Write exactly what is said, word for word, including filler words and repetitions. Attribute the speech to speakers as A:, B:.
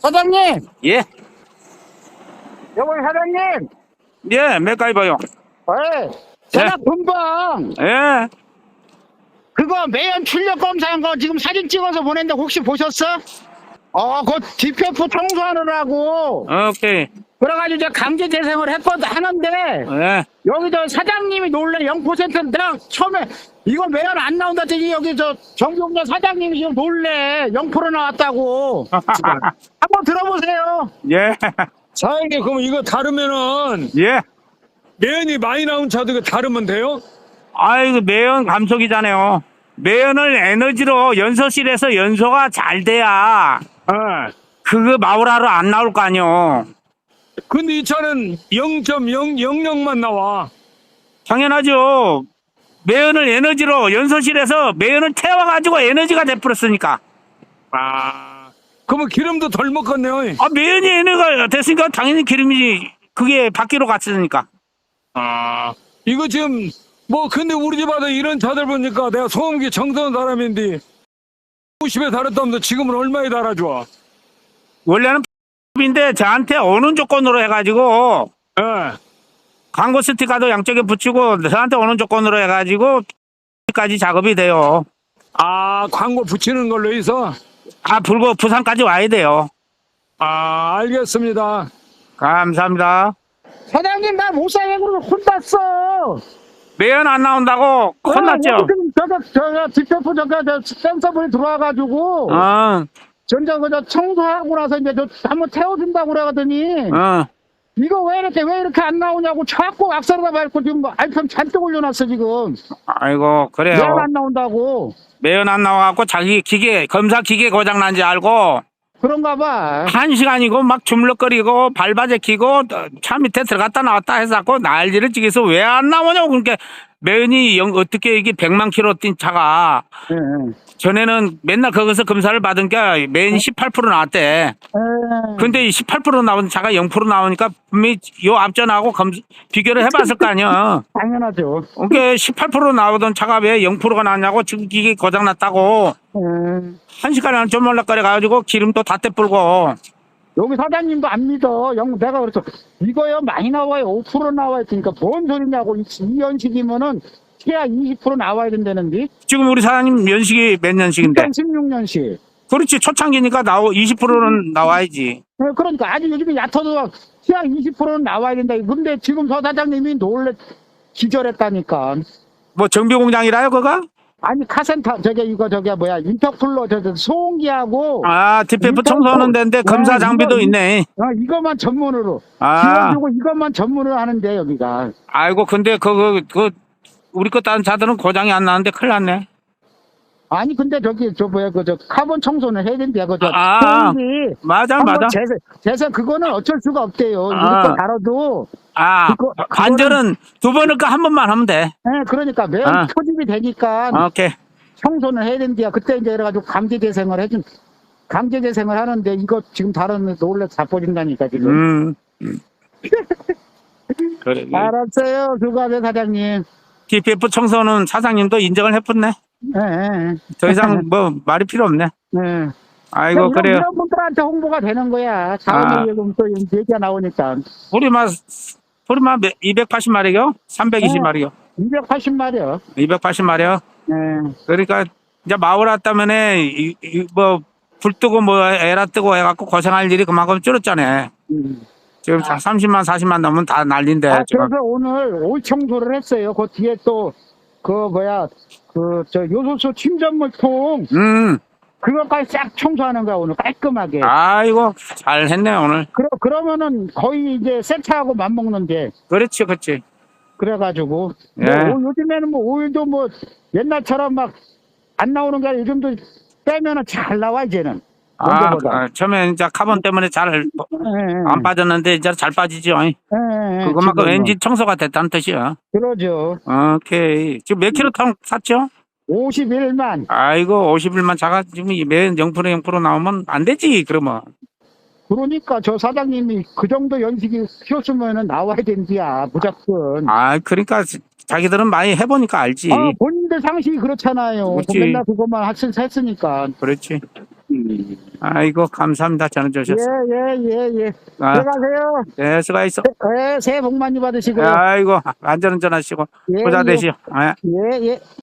A: 사장님!
B: 예?
A: 여보, 사장님!
B: 예, 맥가이버요.
A: 예. 제가 금방
B: 예.
A: 그거 매연 출력 검사한 거 지금 사진 찍어서 보냈는데 혹시 보셨어? 어, 그 디피에프 청소하느라고.
B: 오케이.
A: 그래가지고 제가 강제 재생을 했거든, 하는데,
B: 예.
A: 여기 저 사장님이 놀래 영 퍼센트 내가 처음에 이거 매연 안 나온다 했더니 여기 저 정비공장 사장님이 지금 놀래 영 퍼센트 나왔다고. 한번 들어보세요.
B: 예.
C: 사장님, 그럼 이거 다르면은
B: 예.
C: 매연이 많이 나온 차도 이거 다르면 돼요?
B: 아이고, 매연 감속이잖아요. 매연을 에너지로 연소실에서 연소가 잘 돼야
C: 예.
B: 그거 마우라로 안 나올 거 아니요.
C: 근데 이 차는 영 점 영영영만 나와.
B: 당연하죠. 매연을 에너지로 연소실에서 매연을 태워가지고 에너지가 돼버렸으니까.
C: 아, 그러면 기름도 덜 먹겠네요.
B: 아, 매연이 에너지가 됐으니까 당연히 기름이지. 그게 바퀴로 갔으니까.
C: 아, 이거 지금 뭐 근데 우리 집 아들 이런 차들 보니까 내가 소음기 청소하는 사람인데 오십에 달았다면서 지금은 얼마에 달아줘?
B: 원래는 인데 저한테 오는 조건으로 해가지고
C: 예.
B: 광고 스티커도 양쪽에 붙이고 저한테 오는 조건으로 해가지고 까지 작업이 돼요.
C: 아, 광고 붙이는 걸로 해서.
B: 아, 불고 부산까지 와야 돼요.
C: 아, 알겠습니다.
B: 감사합니다.
A: 사장님, 나 못사행으로 혼났어.
B: 매연 안 나온다고 혼났죠?
A: 어, 지금 저거, 저거, 디피에프 저거, 저 센서블이 들어와가지고.
B: 어,
A: 전자 그저 청소하고 나서 이제 저 한번 태워준다고 그러더니
B: 어.
A: 이거 왜 이렇게 왜 이렇게 안 나오냐고 자꾸 악셀에다 밟고 지금 뭐 알편 잔뜩 올려놨어 지금.
B: 아이고,
A: 왜
B: 그래요.
A: 안 나온다고.
B: 매연 안 나와갖고 자기 기계, 검사 기계 고장 난지 알고
A: 그런가 봐.
B: 한 시간이고 막 주물럭거리고 밟아제키고 차 밑에 들어갔다 나왔다 해서고 난리를 찍어서 왜 안 나오냐고. 그러니까 매연이 영, 어떻게 이게 백만 킬로 뛴 차가
A: 예, 예.
B: 전에는 맨날 거기서 검사를 받은 게 매연이 십팔 퍼센트 나왔대.
A: 예.
B: 근데 이 십팔 퍼센트 나온 차가 영 퍼센트 나오니까 분명히 요 앞전하고 검, 비교를 해봤을 거 아니야.
A: 당연하죠.
B: 그러니까 십팔 퍼센트 나오던 차가 왜 영 퍼센트가 나왔냐고. 지금 기계 고장났다고.
A: 예.
B: 한 시간에 한 조물락거려 가지고 기름도 다 떼뿔고.
A: 여기 사장님도 안 믿어. 영 내가 그래서 이거요 많이 나와요. 오 퍼센트 나와야 되니까 뭔 소리냐고. 이, 이 연식이면은 최하 이십 퍼센트 나와야 된다는데.
B: 지금 우리 사장님 연식이 몇 년식인데?
A: 이천십육 년식.
B: 그렇지. 초창기니까 나오 이십 퍼센트는 나와야지.
A: 네, 그러니까 아직 요즘에 얕아도 시약 이십 퍼센트는 나와야 된다. 근데 지금 서 사장님이 놀래 기절했다니까.
B: 뭐 정비공장이라요 그거?
A: 아니 카센터 저게 이거 저게 뭐야 인터쿨러 저, 저 소음기하고
B: 아, 디피에프
A: 인터쿨-
B: 청소하는 데인데 검사
A: 네,
B: 장비도
A: 이거,
B: 있네.
A: 어, 이것만 전문으로
B: 아.
A: 지원주고 이것만 전문으로 하는데 여기가.
B: 아이고, 근데 그거 그 우리 거 다른 차들은 고장이 안 나는데 큰일 났네.
A: 아니 근데 저기 저 뭐야 그 저 카본 청소는 해야 된대 그저
B: 아,
A: 소음기
B: 맞아,
A: 한번
B: 맞아.
A: 재생 재생 그거는 어쩔 수가 없대요. 우리
B: 아.
A: 거 다뤄도.
B: 아,
A: 그거-
B: 관절은 두 번을 거 한 번만 하면 돼.
A: 네, 그러니까 매일
B: 아.
A: 표집이 되니까
B: 오케이.
A: 청소는 해야 된대요. 그때 이제 이래가지고 강제 재생을 해준, 강제 재생을 하는데 이거 지금 다른 놀래 자빠진다니까 지금.
B: 음. 그래.
A: 알았어요. 수고하세요, 사장님.
B: 디피에프 청소는 사장님도 인정을 해줬네.
A: 예, 예,
B: 더 이상 뭐 말이 필요 없네.
A: 예.
B: 아이고,
A: 이런,
B: 그래요.
A: 이런 분들한테 홍보가 되는 거야.
B: 아.
A: 자원의료금 또 얘기가 나오니까.
B: 우리만, 우리만 이백팔십 마리요? 삼백이십 마리요?
A: 이백팔십 마리요.
B: 이백팔십 마리요?
A: 예.
B: 그러니까 이제 마을 왔다면에 이, 이, 뭐, 불 뜨고 뭐 에라 뜨고 해갖고 고생할 일이 그만큼 줄었잖아요.
A: 음.
B: 지금 다 삼십만, 사십만 넘으면 다 난린데.
A: 아,
B: 지금.
A: 그래서 오늘 올 청소를 했어요. 그 뒤에 또, 그 뭐야, 그, 저 요소수 침전물통,
B: 음,
A: 그것까지 싹 청소하는 거야, 오늘 깔끔하게.
B: 아이고, 잘 했네, 오늘.
A: 그러, 그러면은 거의 이제 새 차하고 맞먹는데.
B: 그렇지, 그렇지.
A: 그래가지고.
B: 예.
A: 뭐, 오- 요즘에는 뭐 오일도 뭐 옛날처럼 막 안 나오는 게 아니라 요즘도 빼면은 잘 나와, 이제는.
B: 아,
A: 먼저보다.
B: 아, 처음에 이제 카본 때문에 잘 안
A: 예, 예.
B: 빠졌는데 이제 잘 빠지죠.
A: 예, 예,
B: 그것만큼
A: 지금은.
B: 엔진 청소가 됐다는 뜻이야.
A: 그러죠.
B: 오케이. 지금 몇 킬로 통 샀죠?
A: 오십일만.
B: 아이고, 오십일만 차가 지금 매연 영 퍼센트 영 퍼센트 나오면 안 되지, 그러면.
A: 그러니까 저 사장님이 그 정도 연식이 키웠으면은 나와야 된디야, 무조건.
B: 아, 그러니까 자기들은 많이 해보니까 알지.
A: 아, 본인들 상식이 그렇잖아요.
B: 그렇지.
A: 맨날 그것만 했- 했으니까.
B: 그렇지.
A: 음.
B: 아이고, 감사합니다. 전화 주셔서.
A: 예, 예, 예, 예.
B: 아,
A: 들어가세요.
B: 예, 수고하셨어.
A: 예, 새해 복 많이 받으시고요.
B: 아이고, 안전운전 하시고,
A: 예,
B: 부자
A: 예.
B: 되시오. 예.
A: 예, 예.